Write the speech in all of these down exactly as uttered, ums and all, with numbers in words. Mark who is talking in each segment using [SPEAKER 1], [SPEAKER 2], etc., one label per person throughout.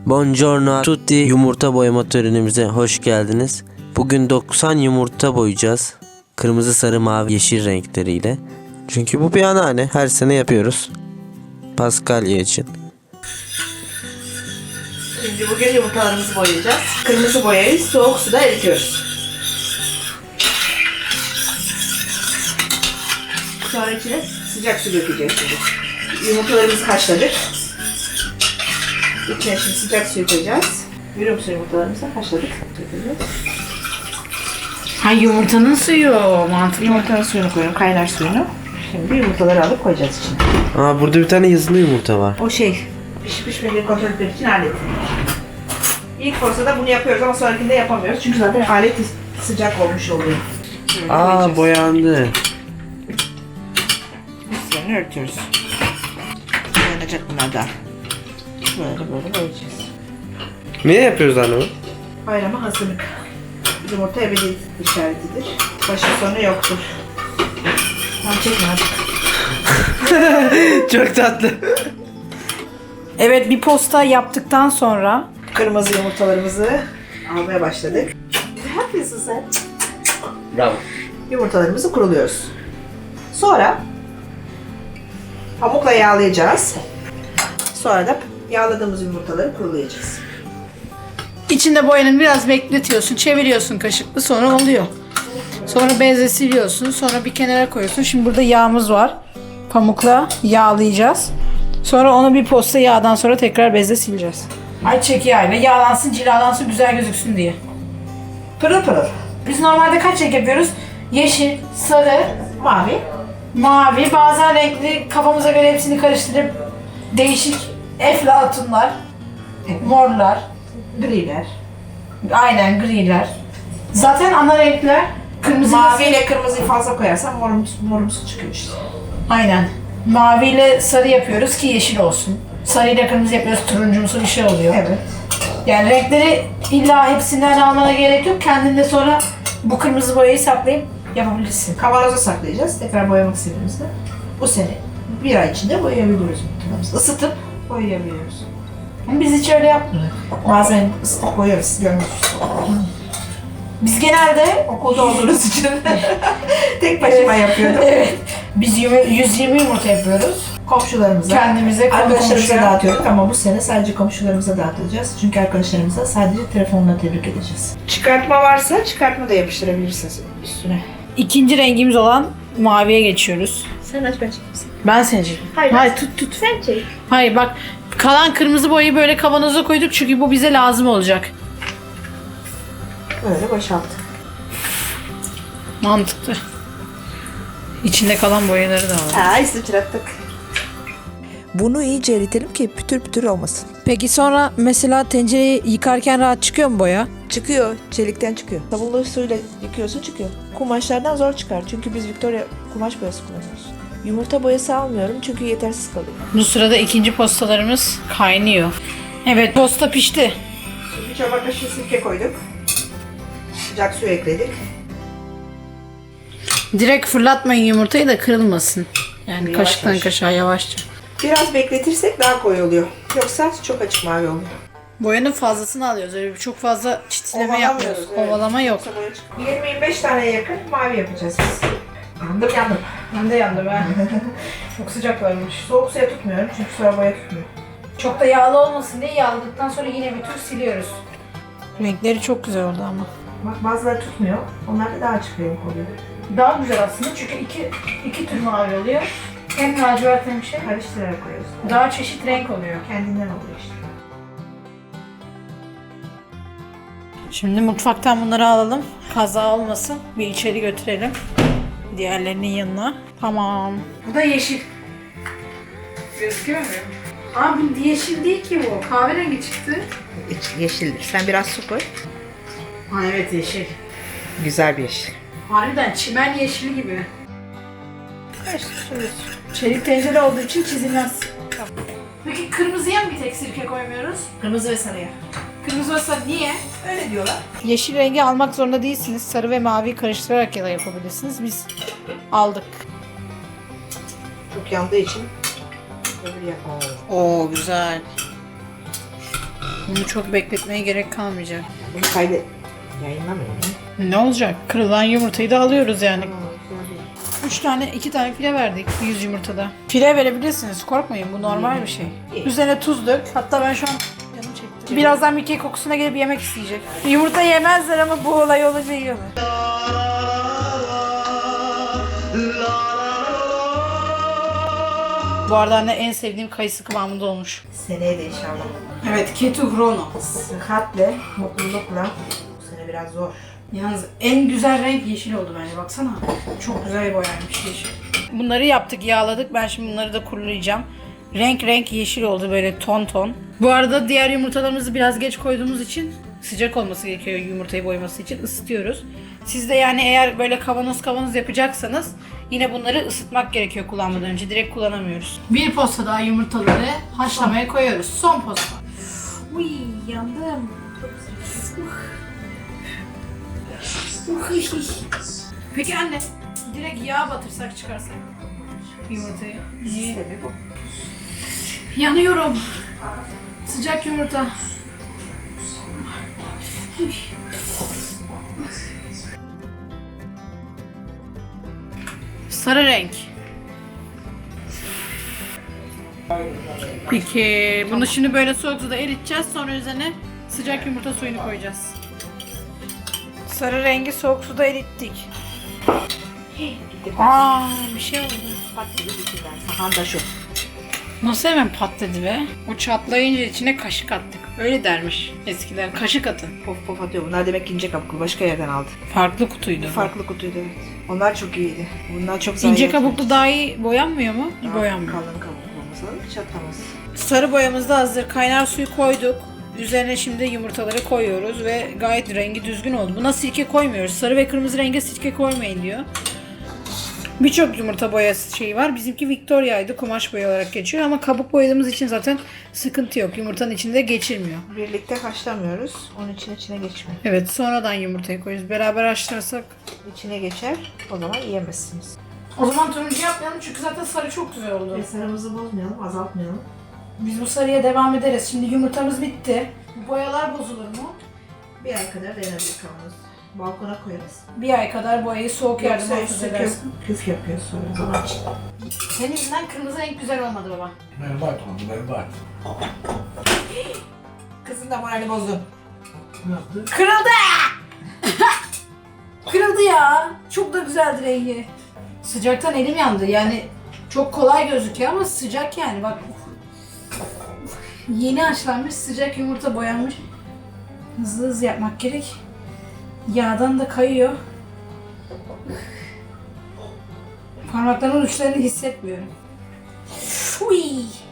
[SPEAKER 1] Buongiorno tutti, yumurta boyama törenimize hoş geldiniz. Bugün doksan yumurta boyayacağız. Kırmızı, sarı, mavi, yeşil renkleriyle. Çünkü bu bir anneanne, her sene yapıyoruz. Paskalya için.
[SPEAKER 2] Şimdi bugün yumurtalarımızı boyayacağız. Kırmızı boyayı soğuk suda eritiyoruz. Sonra içine sıcak su dökeceğiz şimdi. Yumurtalarımızı haşladık. İçine şimdi sıcak suyu koyacağız. Görüyor musun yumurtalarımızı haşladık.
[SPEAKER 3] Ha, yumurtanın suyu mantıklı.
[SPEAKER 2] Yumurtanın suyunu koyuyorum, kaynar suyunu. Şimdi yumurtaları alıp koyacağız içine.
[SPEAKER 1] Aa, burada bir tane yazılı yumurta var.
[SPEAKER 2] O şey, pişip pişmediğini kontrol etmek için alet. İlk fırsatta bunu yapıyoruz ama sonrakinde yapamıyoruz. Çünkü zaten alet sıcak olmuş oluyor. Böyle
[SPEAKER 1] Aa,
[SPEAKER 2] koyacağız.
[SPEAKER 1] boyandı.
[SPEAKER 2] Üstlerini örtüyoruz. Boyanacak bunlar da. Böyle böyle boyayacağız.
[SPEAKER 1] Ne yapıyoruz anne bu?
[SPEAKER 2] Bayrama hazırlık. Yumurta ebedi işaretidir. Başı sonu yoktur. Tamam, çekme hadi.
[SPEAKER 1] Çok tatlı.
[SPEAKER 3] Evet, bir posta yaptıktan sonra
[SPEAKER 2] Kırmızı yumurtalarımızı almaya başladık. Ne yapıyorsun sen?
[SPEAKER 1] Bravo.
[SPEAKER 2] Yumurtalarımızı kuruluyoruz. Sonra pamukla yağlayacağız. Sonra da yağladığımız yumurtaları kurulayacağız.
[SPEAKER 3] içinde boyanın biraz bekletiyorsun, çeviriyorsun kaşıkla, sonra oluyor. Sonra bezle siliyorsun, sonra bir kenara koyuyorsun. Şimdi burada yağımız var. Pamukla yağlayacağız. Sonra onu bir posta yağdan sonra tekrar bezle sileceğiz. Ayçiçek yağıyla yağlansın, cilalansın, güzel gözüksün diye.
[SPEAKER 2] Pırıl pırıl.
[SPEAKER 3] Biz normalde kaç renk yapıyoruz? Yeşil, sarı,
[SPEAKER 2] Mavi.
[SPEAKER 3] mavi, bazen renkli, kafamıza göre hepsini karıştırıp değişik eflatunlar,
[SPEAKER 2] Evet.
[SPEAKER 3] morlar,
[SPEAKER 2] Griler.
[SPEAKER 3] aynen griler. Zaten ana renkler kırmızı,
[SPEAKER 2] Mavi ile kırmızıyı fazla koyarsan morumsu, morumsu çıkıyor işte.
[SPEAKER 3] aynen. Mavi ile sarı yapıyoruz ki yeşil olsun. Sarı ile kırmızı yapıyoruz, turuncumsu bir şey oluyor.
[SPEAKER 2] Evet.
[SPEAKER 3] Yani renkleri illa hepsinden almana gerek yok. Kendinde sonra bu kırmızı boyayı saklayıp yapabilirsin.
[SPEAKER 2] Kavanoza saklayacağız. Tekrar boyamak istediğimizde bu sene bir ay içinde boyayabiliyoruz yumurtalarımızı. Isıtıp boyayabiliyoruz.
[SPEAKER 3] Ama biz hiç öyle yapmıyoruz.
[SPEAKER 2] Bazen ısıtıp boyarız. Görmüşsünüz.
[SPEAKER 3] Biz genelde
[SPEAKER 2] Okulda olduğunuz için tek başıma yapıyordum.
[SPEAKER 3] evet, biz yüz yirmi yumurta yapıyoruz.
[SPEAKER 2] Komşularımıza,
[SPEAKER 3] Kendimize, konu
[SPEAKER 2] arkadaşlarımıza
[SPEAKER 3] komşuya.
[SPEAKER 2] dağıtıyorduk ama bu sene sadece komşularımıza dağıtacağız. Çünkü arkadaşlarımıza sadece telefonla tebrik edeceğiz. Çıkartma varsa çıkartma da yapıştırabilirsiniz üstüne.
[SPEAKER 3] İkinci rengimiz olan maviye geçiyoruz.
[SPEAKER 2] Sen aç ben çekeyim.
[SPEAKER 3] Ben seçeyim.
[SPEAKER 2] Hayır,
[SPEAKER 3] Hayır,
[SPEAKER 2] ben-
[SPEAKER 3] tut tut.
[SPEAKER 2] Sen çek.
[SPEAKER 3] Hayır bak, kalan kırmızı boyayı böyle kavanoza koyduk çünkü bu bize lazım olacak.
[SPEAKER 2] Böyle boşalt.
[SPEAKER 3] Mantıklı. İçinde kalan boyaları da var.
[SPEAKER 2] Aa, sıçrattık.
[SPEAKER 4] Bunu iyice eritelim ki pütür pütür olmasın.
[SPEAKER 3] Peki sonra mesela tencereyi yıkarken rahat çıkıyor mu boya?
[SPEAKER 4] Çıkıyor, çelikten çıkıyor.
[SPEAKER 2] Sabunlu suyla yıkıyorsun çıkıyor. Kumaşlardan zor çıkar çünkü biz Victoria kumaş boyası kullanıyoruz. Yumurta boyası almıyorum çünkü yetersiz kalıyor.
[SPEAKER 3] Bu sırada ikinci postalarımız kaynıyor. Evet, posta pişti.
[SPEAKER 2] Şimdi bir çorba kaşığı sirke koyduk. Sıcak su ekledik.
[SPEAKER 3] Direkt fırlatmayın yumurtayı da kırılmasın. Yani
[SPEAKER 2] Yavaş
[SPEAKER 3] kaşıktan
[SPEAKER 2] yavaş.
[SPEAKER 3] kaşığa yavaşça.
[SPEAKER 2] Biraz bekletirsek daha koyu oluyor. Yoksa çok açık mavi oluyor.
[SPEAKER 3] Boyanın fazlasını alıyoruz. Öyle çok fazla çitleme
[SPEAKER 2] Ovalamıyoruz,
[SPEAKER 3] yapmıyoruz.
[SPEAKER 2] evet.
[SPEAKER 3] Ovalama yok.
[SPEAKER 2] Yoksa boya çıkıyor. yirmi yirmi beş taneye yakın mavi yapacağız biz. Yandım yandım.
[SPEAKER 3] Ben de yandım ben. Çok sıcak varmış.
[SPEAKER 2] Soğuk suya tutmuyorum çünkü sonra boya tutmuyor.
[SPEAKER 3] Çok da yağlı olmasın diye yağladıktan sonra yine bir tur siliyoruz. Renkleri çok güzel oldu ama.
[SPEAKER 2] Bak bazıları tutmuyor. Onlar da daha açık renk oluyor.
[SPEAKER 3] Daha güzel aslında çünkü iki, iki tür mavi oluyor. Hem lacivert hem şey.
[SPEAKER 2] Karıştırarak koyuyoruz.
[SPEAKER 3] Daha çeşit renk oluyor.
[SPEAKER 2] Kendinden oluyor işte.
[SPEAKER 3] Şimdi mutfaktan bunları alalım. Kaza olmasın. Bir içeri götürelim. Diğerlerinin yanına. Tamam. Bu da yeşil. Gözüküyor mu? Aa, bu yeşil değil ki bu. Kahverengi çıktı.
[SPEAKER 2] Yeşildir. Sen biraz su koy.
[SPEAKER 3] Ha evet, yeşil.
[SPEAKER 2] Güzel bir yeşil.
[SPEAKER 3] Harbiden çimen yeşili gibi. Çelik tencere olduğu için çizilmez. Peki kırmızıya mı bir tek sirke koymuyoruz?
[SPEAKER 2] Kırmızı ve sarıya.
[SPEAKER 3] Kırmızı ve sarı niye?
[SPEAKER 2] Öyle diyorlar.
[SPEAKER 3] Yeşil rengi almak zorunda değilsiniz. Sarı ve maviyi karıştırarak ya da yapabilirsiniz. Biz aldık.
[SPEAKER 2] Çok yandığı için öbür yapmam lazım.
[SPEAKER 3] Oo güzel. Bunu çok bekletmeye gerek kalmayacak.
[SPEAKER 2] Bunu kaydet. Yayınlamıyorum.
[SPEAKER 3] Ne olacak? Kırılan yumurtayı da alıyoruz yani. Üç tane, iki tane file verdik yüz yumurtada. File verebilirsiniz, korkmayın, bu normal bir şey. Üzerine tuz dök. Hatta ben şu an canım çekti. Birazdan Mickey kokusuna gelip yemek isteyecek. Yumurta yemezler ama bu olay olunca yiyorlar. Bu arada anne en sevdiğim kayısı kıvamında olmuş.
[SPEAKER 2] Seneye de inşallah.
[SPEAKER 3] Evet, Ketu Chrono.
[SPEAKER 2] Sıhhatle, mutlulukla. Bu sene biraz zor.
[SPEAKER 3] Yalnız en güzel renk yeşil oldu bence, baksana. Çok güzel boyanmış yeşil. Bunları yaptık, yağladık. Ben şimdi bunları da kurulayacağım. Renk renk yeşil oldu, böyle ton ton. Bu arada diğer yumurtalarımızı biraz geç koyduğumuz için sıcak olması gerekiyor yumurtayı boyaması için, ısıtıyoruz. Siz de yani eğer böyle kavanoz kavanoz yapacaksanız yine bunları ısıtmak gerekiyor kullanmadan önce. Direkt kullanamıyoruz. Bir posta daha yumurtaları haşlamaya koyuyoruz. Son posta. Uy, yandım. Peki anne, direkt yağ batırsak çıkarsak yumurtayı. Niye?
[SPEAKER 2] bu.
[SPEAKER 3] Yanıyorum. Sıcak yumurta. Sarı renk. Peki bunu şimdi böyle soğuk suda eriteceğiz. Sonra üzerine sıcak yumurta suyunu koyacağız. Sarı rengi soğuk suda erittik. Aa, bir şey oldu.
[SPEAKER 2] Bak gibi bitirden. Sahan da şu.
[SPEAKER 3] Nasıl hemen patladı be? O çatlayınca içine kaşık attık. Öyle dermiş eskiden. Kaşık atın.
[SPEAKER 2] Pof pof atıyor. Bunlar demek ki ince kabuklu. Başka yerden aldı.
[SPEAKER 3] Farklı kutuydu.
[SPEAKER 2] Farklı kutuydu evet. Onlar çok iyiydi. Bunlar çok zayi.
[SPEAKER 3] İnce kabuklu daha iyi boyanmıyor mu?
[SPEAKER 2] Daha
[SPEAKER 3] Boyanmıyor.
[SPEAKER 2] Kalın kabuklu olması lazım. Çatlamaz.
[SPEAKER 3] Sarı boyamız da hazır. Kaynar suyu koyduk. Üzerine şimdi yumurtaları koyuyoruz ve gayet rengi düzgün oldu. Buna sirke koymuyoruz. Sarı ve kırmızı renge sirke koymayın diyor. Birçok yumurta boyası şeyi var. Bizimki Victoria'ydı. Kumaş boya olarak geçiyor ama kabuk boyadığımız için zaten sıkıntı yok. Yumurtanın içinde geçirmiyor.
[SPEAKER 2] Birlikte haşlamıyoruz. Onun için içine geçmiyor.
[SPEAKER 3] Evet, sonradan yumurtayı koyuyoruz. Beraber haşlarsak.
[SPEAKER 2] İçine geçer. O zaman yiyemezsiniz.
[SPEAKER 3] O zaman turuncu yapmayalım çünkü zaten sarı çok güzel oldu.
[SPEAKER 2] Ve sarımızı bozmayalım, azaltmayalım.
[SPEAKER 3] Biz bu sarıya devam ederiz. Şimdi yumurtamız bitti. Boyalar bozulur mu?
[SPEAKER 2] Bir ay kadar dayanabilir kavanoz. Balkona koyarız.
[SPEAKER 3] Bir ay kadar boyayı soğuk yerde
[SPEAKER 2] Yoksa
[SPEAKER 3] muhafaza
[SPEAKER 2] üstü
[SPEAKER 3] edersin.
[SPEAKER 2] küf, küf yapıyor sonra zaman için.
[SPEAKER 3] Senin yüzünden kırmızı renk güzel olmadı baba.
[SPEAKER 5] Berbat oldu, berbat.
[SPEAKER 2] Kızın da moralini bozdun.
[SPEAKER 5] Ne yaptı?
[SPEAKER 3] Kırıldı! Kırıldı ya. Çok da güzeldi rengi. Sıcaktan elim yandı. Yani çok kolay gözüküyor ama sıcak yani bak. Yeni haşlanmış sıcak yumurta boyanmış. Hızlı hızlı yapmak gerek. Yağdan da kayıyor. Parmaklarımın uçlarını hissetmiyorum. Uy.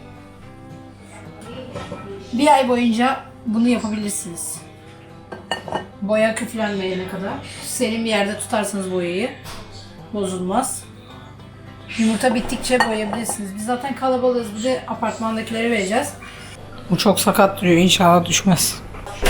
[SPEAKER 3] Bir ay boyunca bunu yapabilirsiniz. Boya küflenmeyene kadar. Serin bir yerde tutarsanız boyayı bozulmaz. Yumurta bittikçe boyayabilirsiniz. Biz zaten kalabalığız. Bir de apartmandakilere vereceğiz. Bu çok sakat duruyor. İnşallah düşmez.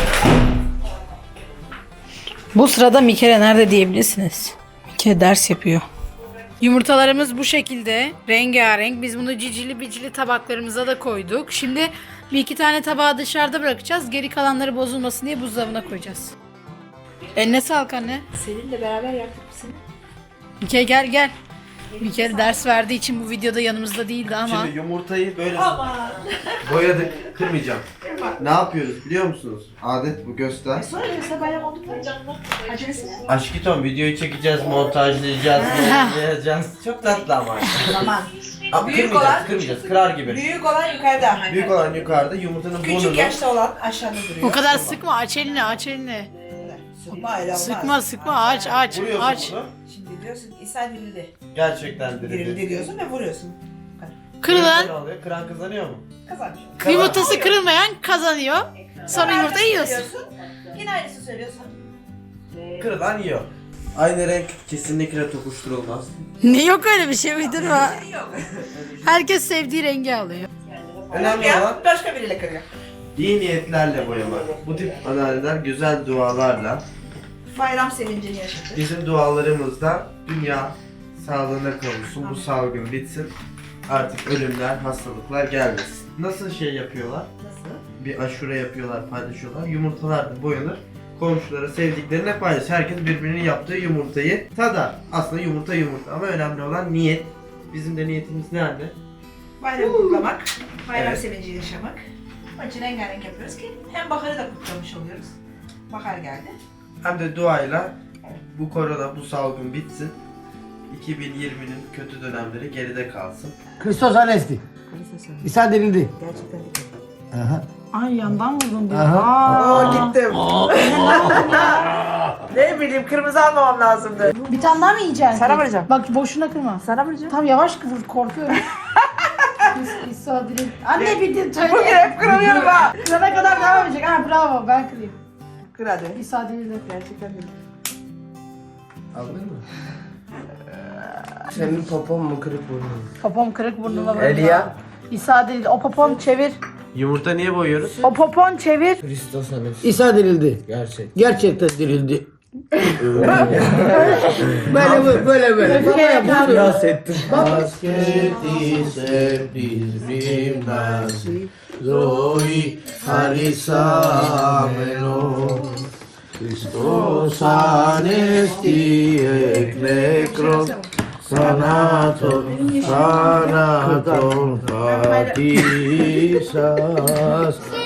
[SPEAKER 3] Bu sırada Mikele nerede diyebilirsiniz. Mikele ders yapıyor. Yumurtalarımız bu şekilde. Rengarenk. Biz bunu cicili bicili tabaklarımıza da koyduk. Şimdi bir iki tane tabağı dışarıda bırakacağız. Geri kalanları bozulmasın diye buzdolabına koyacağız. Eline sağlık anne.
[SPEAKER 2] Seninle beraber yaptık seni.
[SPEAKER 3] Mikele gel gel. Mikele ders verdiği için bu videoda yanımızda değildi ama.
[SPEAKER 1] Şimdi yumurtayı böyle boyadık. Kırmayacağım. Ne yapıyoruz biliyor musunuz? Adet bu, göster.
[SPEAKER 2] Sonra mesela bayram olduk mu? Acelesi ne?
[SPEAKER 1] Aşkiton videoyu çekeceğiz, montajlayacağız, montajlayacağız. Çok tatlı ama.
[SPEAKER 2] Tamam.
[SPEAKER 1] Ama
[SPEAKER 2] Büyük
[SPEAKER 1] kırmayacağız,
[SPEAKER 2] olan-
[SPEAKER 1] kırmayacağız. Kırar gibi.
[SPEAKER 2] Büyük olan yukarıda.
[SPEAKER 1] Büyük olan yukarıda, yumurtanın
[SPEAKER 2] Küçük
[SPEAKER 1] burnunu.
[SPEAKER 2] yaşta olan aşağıda duruyor.
[SPEAKER 3] O kadar sıkma, aç elini, aç elini.
[SPEAKER 2] Sıkma öyle olmaz.
[SPEAKER 3] Sıkma sıkma, aç aç
[SPEAKER 1] Vuruyorsun
[SPEAKER 3] aç.
[SPEAKER 1] bunu.
[SPEAKER 2] Şimdi diyorsun ki İsa dirildi.
[SPEAKER 1] Gerçekten
[SPEAKER 2] Dirildi
[SPEAKER 1] dirildi.
[SPEAKER 2] diyorsun ve vuruyorsun.
[SPEAKER 3] Kırılan,
[SPEAKER 1] Ne oluyor? Kıran kazanıyor mu?
[SPEAKER 2] Kazanmış.
[SPEAKER 3] yumurtası kırılmayan kazanıyor. Sonra yumurta yiyorsun.
[SPEAKER 2] Yine aynısını söylüyorsun.
[SPEAKER 1] Kırılan yiyor. Aynı renk kesinlikle tokuşturulmaz.
[SPEAKER 3] Ne yok öyle bir şey uydurma.
[SPEAKER 2] Yok.
[SPEAKER 3] Herkes sevdiği rengi alıyor.
[SPEAKER 1] Önemli
[SPEAKER 2] Ya,
[SPEAKER 1] olan
[SPEAKER 2] başka biriyle kırıyor.
[SPEAKER 1] iyi niyetlerle boyamak. Bu tip anneanneler güzel dualarla
[SPEAKER 2] Bayram sevincini yaşadı.
[SPEAKER 1] bizim dualarımızda dünya sağlığına kavuşsun, bu salgın bitsin. Artık ölümler, hastalıklar gelmesin. Nasıl şey yapıyorlar?
[SPEAKER 2] Nasıl?
[SPEAKER 1] bir aşure yapıyorlar, paylaşıyorlar. Yumurtalar da boyanır. Komşulara, sevdiklerine paylaşır. Herkes birbirinin yaptığı yumurtayı tadar. Aslında yumurta yumurta ama önemli olan niyet. Bizim de niyetimiz ne anne?
[SPEAKER 2] Bayramı kutlamak, bayram
[SPEAKER 1] Evet.
[SPEAKER 2] sevinciyle yaşamak. Onun için rengarenk yapıyoruz ki hem baharı da kutlamış oluyoruz. Bahar geldi.
[SPEAKER 1] Hem de duayla bu korona, bu salgın bitsin. iki bin yirminin kötü dönemleri geride kalsın.
[SPEAKER 6] Kristos Anesti. İsa dirildi.
[SPEAKER 2] Gerçekten de.
[SPEAKER 6] Aha.
[SPEAKER 3] Ay yandan vurdum diyor.
[SPEAKER 6] Aha.
[SPEAKER 2] Aa, gittim. Ne bileyim kırmızı almamam lazımdı.
[SPEAKER 3] Bir tane daha mı yiyeceksin?
[SPEAKER 2] Sana vuracağım.
[SPEAKER 3] Bak boşuna kırma.
[SPEAKER 2] Sana vuracağım.
[SPEAKER 3] Tam yavaş kıvır, korkuyorum. İs- İsa direkt. Anne bir de söyle.
[SPEAKER 2] Bugün hep kıramıyorum ha.
[SPEAKER 3] Kırana kadar devam edecek. Ha bravo, ben kırayım.
[SPEAKER 2] Kır hadi.
[SPEAKER 3] İsa direkt.
[SPEAKER 2] Gerçekten de.
[SPEAKER 6] Aldın mı? Senin popon mu kırık burnun?
[SPEAKER 3] Popom kırık burnuma vurdu.
[SPEAKER 6] Elia.
[SPEAKER 3] İsa direkt. O popon çevir.
[SPEAKER 1] Yumurta niye boyuyoruz?
[SPEAKER 3] O popon çevir.
[SPEAKER 6] Kristos Anesti. İsa dirildi. Gerçek. Gerçekten dirildi. böyle böyle böyle böyle. Babaya bunu yas ettim. Basketi septis nasi Zoe harisameno Christos anesti eklekron Sanaton, sanaton patisas